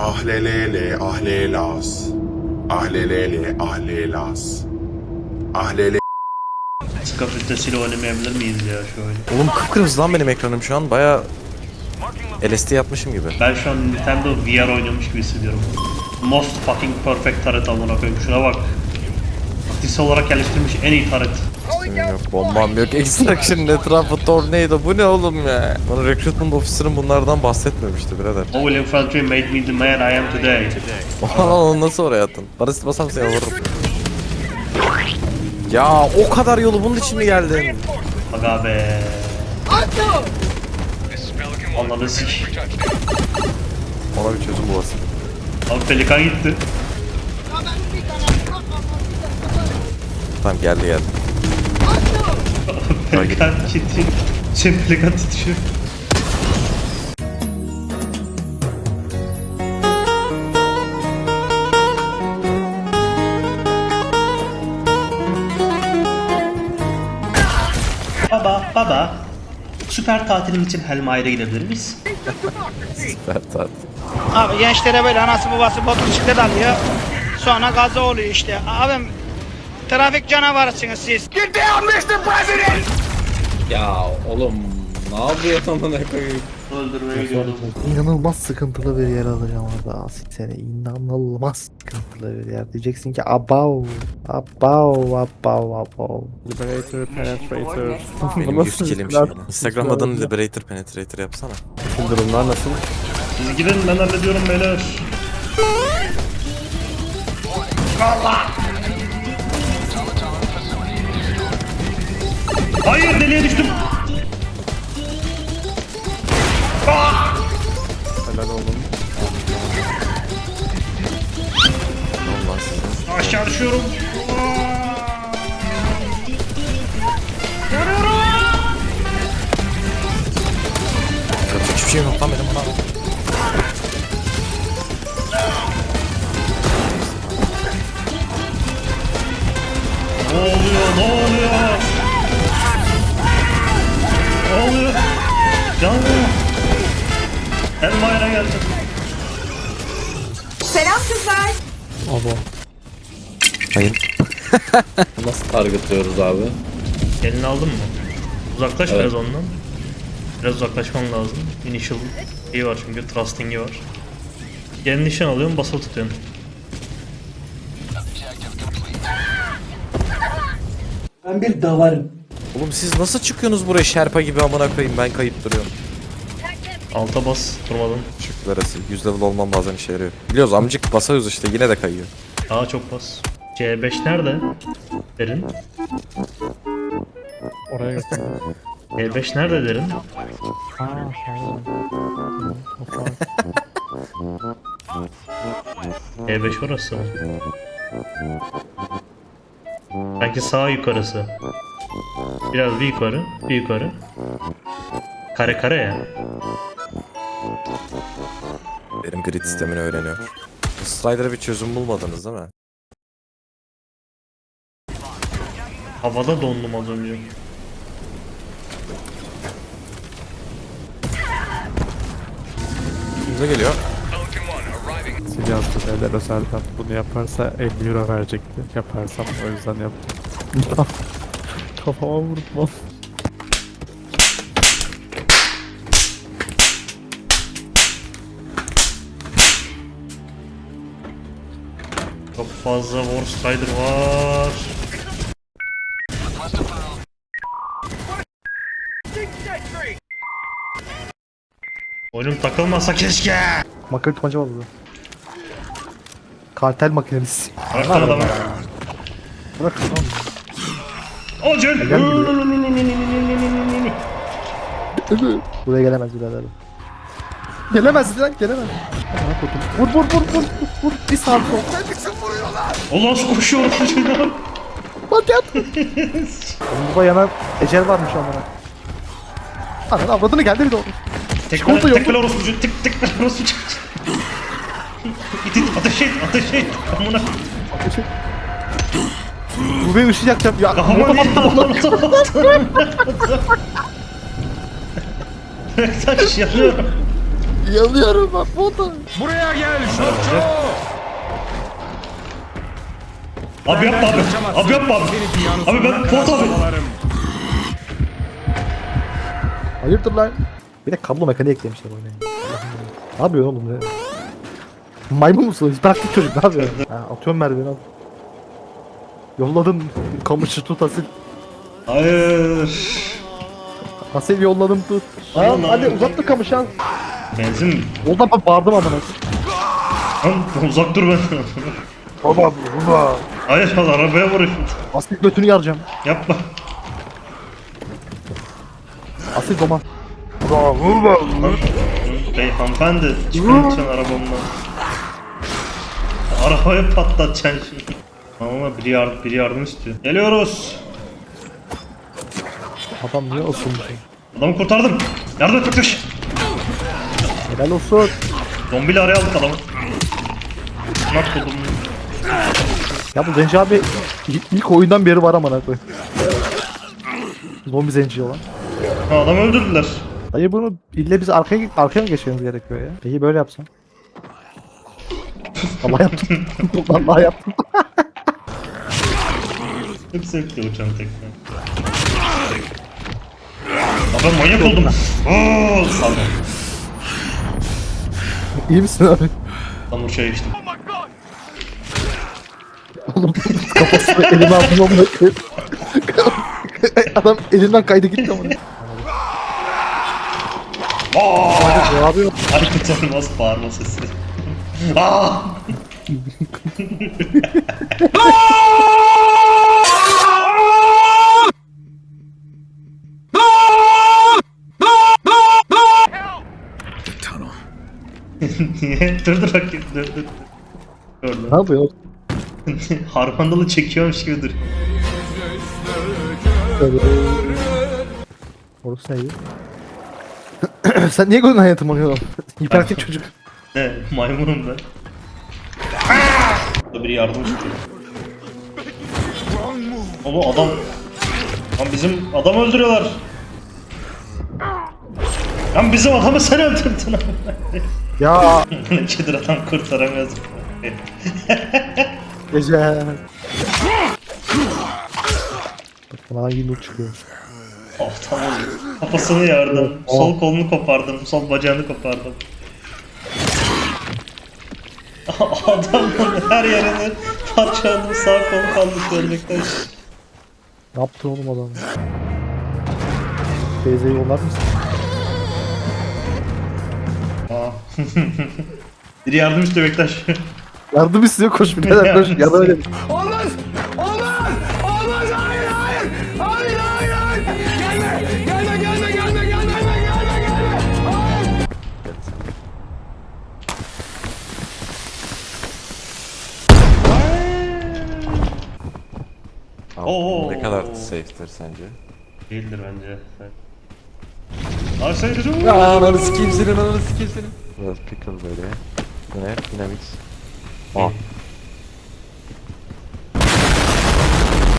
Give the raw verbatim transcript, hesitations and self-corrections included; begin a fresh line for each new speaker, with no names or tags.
Ahlelele ahlelas. Ahlelele ahlelas. Ahlele.
Ska filtresiyle oynamayabilir miyiz ya şu oyunu?
Oğlum kıpkırmızı lan benim ekranım şu an. Baya L S D yapmışım gibi.
Ben şu an Nintendo V R oynuyormuş gibi hissediyorum. Most fucking perfect taret amına koyayım. Şuna bak. Aktif olarak geliştirilmiş en iyi taret.
Yok, bombam yok. Extraction'ın etrafı tornado. Bu ne oğlum ya? Bana recruitment officer'ın bunlardan bahsetmemişti birader.
O will infantry made me the man I am today.
Oha onu nasıl oraya attın? Barış basam seni vururum. Ya o kadar yolu bunun için mi geldin?
Aga be. Ananı sik.
Ona bir çözüm bulasın.
Abi pelikan gitti.
Tamam geldi geldi.
Pelikan gitti. Şey pelikan titriyor. Baba, baba. Süper tatilim için Helmaire'e gidebilir miyiz?
Süper tatil.
Abi gençlere böyle anası babası motosiklet alıyor. Sonra gaza oluyor işte. Abim trafik canavarısınız siz.
Ya oğlum ne yapıyorsun amına koyayım?
Öldürmeye gidiyorum.
İnanılmaz sıkıntılı bir yer alacağım orada Asil seni. İnanılmaz sıkıntılı bir yer. Diyeceksin ki abav, abav, abav, abav.
Liberator, Penetrator.
Benim yüz kilim şimdi. Instagram adını Liberator Penetrator yapsana.
Bütün durumlar nasıl?
Siz gidin ben hallediyorum beyler. Hayır deliğe düştüm.
Helal oğlum.
Allah size.
Aşağı düşüyorum.
Yapacak hiçbir şey yok lan benim buna.
Ne oluyor? Ne oluyor? Ne oluyor? Canım. Elmayra geldi.
Selam kızlar.
Hayır.
Nasıl targetliyoruz abi?
Elini aldın mı? Uzaklaş
Evet.
biraz ondan. Biraz uzaklaşman lazım. Initial iyi var çünkü trusting'i var. Gelin nişan alıyorsun, basılı tutuyorsun.
Oğlum siz nasıl çıkıyorsunuz buraya şerpa gibi amına koyayım ben kayıp duruyorum.
Alta bas, durmadan.
Şükürler olsun. yüz level olmam bazen işe yarıyor. Biliyoruz amcık basıyoruz işte yine de kayıyor.
Daha çok bas. C beş nerede? Derin.
Oraya götür.
C beş nerede derin? C beş orası. Sanki sağ yukarısı. Biraz bir yukarı, bir yukarı. Kare kare ya.
Benim grid sistemini öğreniyor. Strider'a bir çözüm bulmadınız değil mi?
Havada dondum az önce.
Bize geliyor.
Sil yazdı beyler özelden. Bunu yaparsa elli euro verecekti. Yaparsam o yüzden yaptım. Kafama vurdum lan.
Çok fazla War Strider var. Oyunum takılmasa keşke.
Makine tutmaca var burada. Kartel makinesi.
Arkada da var.
Bırak tamam mı?
Acil.
Gel Buraya gelemez birader. Gelemez lan gelemez. Amına koydum. Vur vur vur vur vur vur. Bir sağ sol.
Allah şu koşuyor şunlar.
Bak yat. Oğlum burada yana ecel varmış amına. Ananı avradını geldi bir de oldu.
Tekrar
Çikolata yok.
tekrar orospucu tık tık orospucu. İt it ateş et ateş et. Amına.
Bu beni ışık yakacağım ya.
Kafama niye attın? Taş yanıyorum.
Yanıyorum bak foto.
Abi yapma abi. Abi yapma abi. Abi ben Fuat abi.
Hayırdır lan? Bir de kablo mekaniği eklemişler oyuna. Ne yapıyorsun oğlum ne? Maymun musun? Hiperaktif çocuk ne yapıyorsun? Ha, atıyorum merdiveni al. Yolladım kamışı tut Asil.
Hayır.
Asil yolladım tut.
Aman
Al hadi
Allah'ım.
uzat da kamışı al.
Benzin mi?
Oradan ben bağırdım amına.
Lan uzak dur benden.
Baba baba.
Hayır lan arabaya vuruyor.
Asil götünü yaracağım.
Yapma.
Asil doman.
Lan, bey hanımefendi çıkın lütfen arabamdan. Arabayı patlatacaksın şimdi. Ama biri yardım, biri yardım istiyor. Geliyoruz.
Adam niye olsun?
Adamı kurtardım. Yardım et Türküş.
Helal olsun.
Zombiyle araya aldık adamı. Nasıl buldum?
Ya bu Zenci abi ilk, ilk oyundan beri var amına koy. Zombi Zenci olan.
Ha, adamı öldürdüler.
Dayı bunu ille biz arkaya arkaya mı geçmemiz gerekiyor ya? Peki böyle yapsam. Allah yaptım. Allah yaptım.
Çok zevkli uçan tekne. Aa, ben manyak oldum. Ooo pardon.
İyi misin abi?
Tam uçağa geçtim.
Oğlum kafasını elime aldım amına koyayım. Adam elinden kaydı gitti amına.
Aaa!
Ne yapıyor?
Aykut Elmas bağırma sesi. Aaa! Niye? Dur dur bakayım dur dur. Gördüm.
Ne yapıyor?
Harmandalı çekiyormuş gibi dur.
Orası neydi? Sen niye gözün hayatım oluyor? Hiperaktif çocuk.
Ne? Maymunum ben. Burada biri yardım istiyor. Oğlum adam... Lan bizim adamı öldürüyorlar. Lan bizim adamı sen öldürdün.
Ya
Nedir adam kurtaramıyoruz.
gece. Bak bana yine çıkıyor.
Oh tamam. Kafasını yardım. Sol kolunu kopardım. Sol bacağını kopardım. Adamın her yerini parçaladım. Sağ kolu kaldı görmekten.
Ne yaptın oğlum adam? Teyzeyi yollar mısın?
Aa. Biri yardım istiyor Bektaş.
Yardım istiyor koş birader koş. Ya da öyle.
Abi,
Oo.
ne kadar safe'tir sence?
Değildir bence. Abi sen çocuğum.
Ya ananı sikeyim senin, ananı sikeyim senin. Biraz pickle böyle. Bu ne? Dynamics. Aa.